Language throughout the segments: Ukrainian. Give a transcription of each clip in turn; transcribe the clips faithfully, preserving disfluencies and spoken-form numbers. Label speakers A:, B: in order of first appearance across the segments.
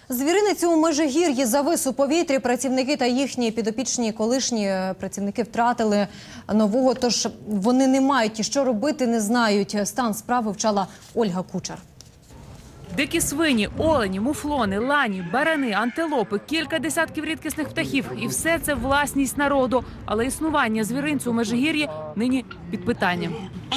A: Звіринець у Межигір'ї завис у повітрі. Працівники та їхні підопічні колишні працівники втратили нового, тож вони не мають і що робити, не знають. Стан справи вчала Ольга Кучер.
B: Дикі свині, олені, муфлони, лані, барани, антилопи, кілька десятків рідкісних птахів. І все це власність народу. Але існування звіринцю у Межигір'ї нині під питанням.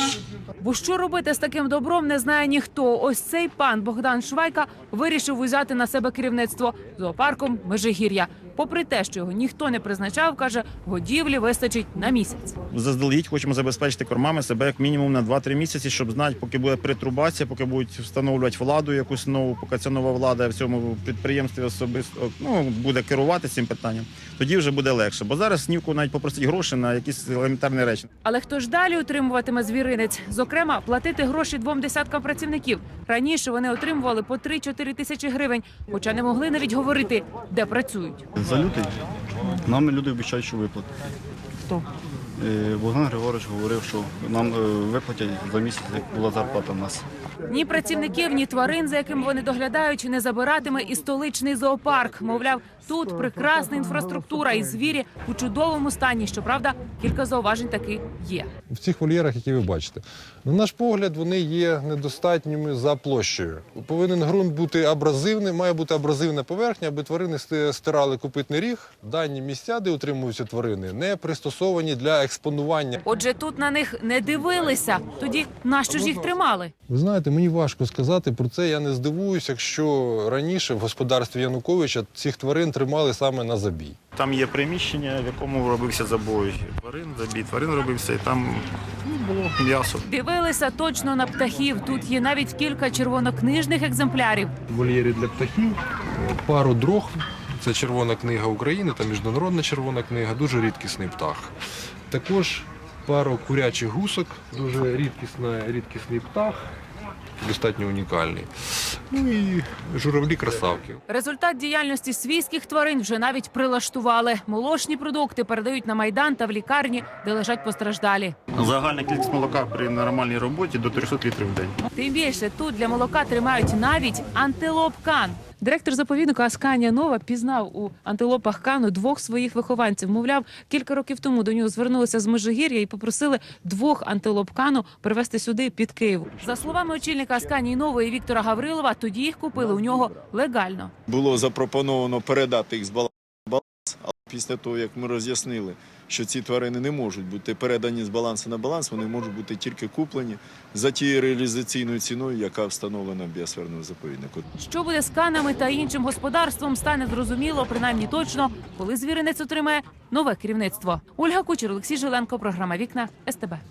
B: Бо що робити з таким добром, не знає ніхто. Ось цей пан Богдан Швайка вирішив узяти на себе керівництво зоопарком Межигір'я. Попри те, що його ніхто не призначав, каже, годівлі вистачить на місяць.
C: Заздалегідь хочемо забезпечити кормами себе як мінімум на два-три місяці, щоб знати, поки буде перетрубація, поки будуть встановлювати владу якусь нову, поки ця нова влада в цьому підприємстві особисто ну, буде керувати цим питанням, тоді вже буде легше. Бо зараз снівку навіть попросить гроші на якісь елементарні речі.
B: Але хто ж далі утримуватиме звіринець? Зокрема, платити гроші двом десяткам працівників. Раніше вони отримували по три-чотири тисячі гривень, хоча не могли навіть говорити, де працюють.
D: За лютий нам люди обіцяють, що виплатять.
B: Хто?
D: Богдан Григорович говорив, що нам виплатять за місяць, як була зарплата в нас.
B: Ні працівників, ні тварин, за яким вони доглядають, не забиратиме і столичний зоопарк. Мовляв, тут прекрасна інфраструктура і звірі у чудовому стані. Щоправда, кілька зауважень таки є.
E: В цих вольєрах, які ви бачите, на наш погляд, вони є недостатніми за площею. Повинен ґрунт бути абразивний, має бути абразивна поверхня, аби тварини стирали копитний ріг. Дані місця, де утримуються тварини, не пристосовані для експонування.
B: Отже, тут на них не дивилися. Тоді нащо ж їх тримали?
E: Ви знаєте, мені важко сказати про це. Я не здивуюся, якщо раніше в господарстві Януковича цих тварин тримали саме на забій.
C: Там є приміщення, в якому робився забой тварин, забій тварин робився, і там ну, було м'ясо.
B: Дивилися точно на птахів. Тут є навіть кілька червонокнижних екземплярів.
E: Вольєри для птахів, пару дрог. Це Червона книга України та Міжнародна червона книга, дуже рідкісний птах. Також пару курячих гусок, дуже рідкісний, рідкісний птах, достатньо унікальний. Ну і журавлі-красавки.
B: Результат діяльності свійських тварин вже навіть прилаштували. Молочні продукти передають на Майдан та в лікарні, де лежать постраждалі.
C: Загальна кількість молока при нормальній роботі до трьохсот літрів в день.
B: Тим більше тут для молока тримають навіть антилоп Кан. Директор заповідника Асканія Нова пізнав у антилопах Кану двох своїх вихованців. Мовляв, кілька років тому до нього звернулися з Межигір'я і попросили двох антилоп Кану привезти сюди, під Київ. За словами очільника Асканії Нової Віктора Гаврилова, тоді їх купили у нього легально.
F: Було запропоновано передати їх з балансу на баланс, але після того, як ми роз'яснили, що ці тварини не можуть бути передані з балансу на баланс, вони можуть бути тільки куплені за тією реалізаційною ціною, яка встановлена в біосферному заповіднику.
B: Що буде з канами та іншим господарством, стане зрозуміло, принаймні точно, коли звіринець отримає нове керівництво. Ольга Кучер, Олексій Жиленко, програма «Вікна», ес те бе.